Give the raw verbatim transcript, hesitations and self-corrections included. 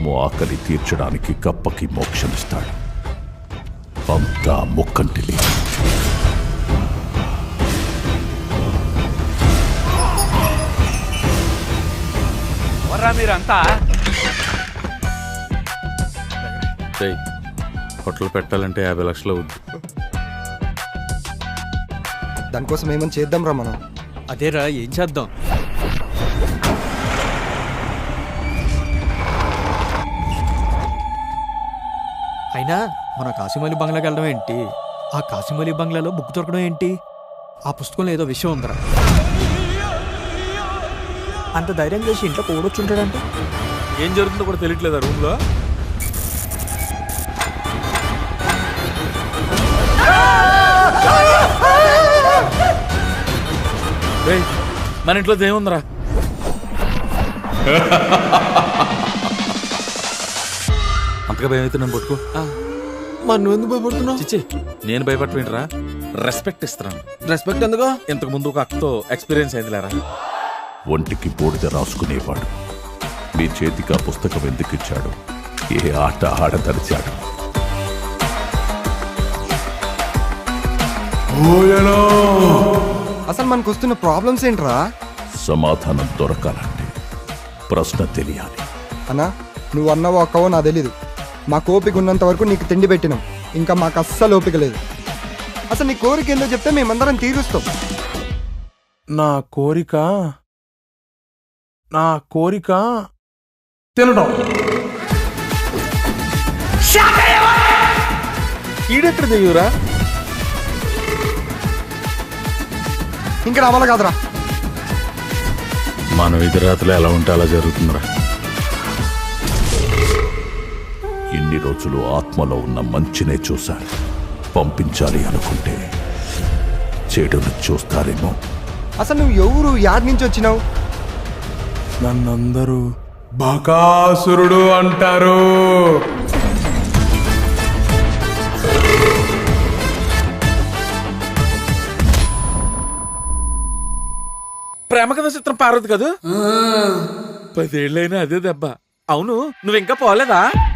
పాము ఆకలి తీర్చడానికి కప్పకి మోక్షమిస్తాడు. అంతా ముక్కంటిలి. మీరంతా హోటల్ పెట్టాలంటే యాభై లక్షలు అవుద్ది. దానికోసం ఏమని చేద్దాం రా మనం. అదేరా, ఏం చేద్దాం? అయినా మన కాశీమలి బంగ్లాకి వెళ్ళడం ఏంటి? ఆ కాశీమలి బంగ్లాలో బుక్ దొరకడం ఏంటి? ఆ పుస్తకంలో ఏదో విషయం ఉందరా. అంత ధైర్యం చేసి ఇంట్లో కూడొచ్చుంటాడంటే ఏం జరుగుతుందో కూడా తెలియట్లేదా రూమ్ లో? మన ఇంట్లో ఏముందిరా? అంతగా భయం అయితే నన్ను పట్టుకో. మరి నువ్వు ఎందుకు భయపడుతున్నావు? చిచ్చి, నేను భయపడవేంట్రా? రెస్పెక్ట్ ఇస్తున్నాను. రెస్పెక్ట్ ఎందుకు? ఇంతకు ముందు ఒక అక్కతో ఎక్స్పీరియన్స్ అయింది లేరా. ఒంటికి బూడిద రాసుకునేవాడు మీ చేతికి ఆ పుస్తకం ఎందుకు ఇచ్చాడు? ఏ ఆట ఆడదరిచాడు? అసలు మనకు వస్తున్న ప్రాబ్లమ్స్ ఏంట్రా? సమాధానం దొరకాలంటే ప్రశ్న తెలియాలి. అన్నా, నువ్వు అన్నావో అక్కవో నాకు తెలీదు. మాకు ఓపిక ఉన్నంత వరకు నీకు తిండి పెట్టినాం. ఇంకా మాకు అస్సలు ఓపిక లేదు. అసలు నీ కోరిక ఏందో చెప్తే మేమందరం తీరుస్తాం. నా కోరిక నా కోరిక తినడం. ఈడెక్కడ దిగురా? ఇంకా రావాలి కాదురా. మనం ఎదురాతలో ఎలా ఉంటే అలా జరుగుతుందిరా. ఇన్ని రోజులు ఆత్మలో ఉన్న మంచినే చూశారు. పంపించాలి అనుకుంటే చెడును చూస్తారేమో. అసలు నువ్వు ఎవరు, యాడ్ నుంచి వచ్చినావు? నన్నందరూ బకాసురుడు అంటారు. ప్రేమ కథ చిత్రం పార్వతి కదా, పదేళ్ళైనా అదే దెబ్బ. అవును, నువ్వు ఇంకా పోలేదా?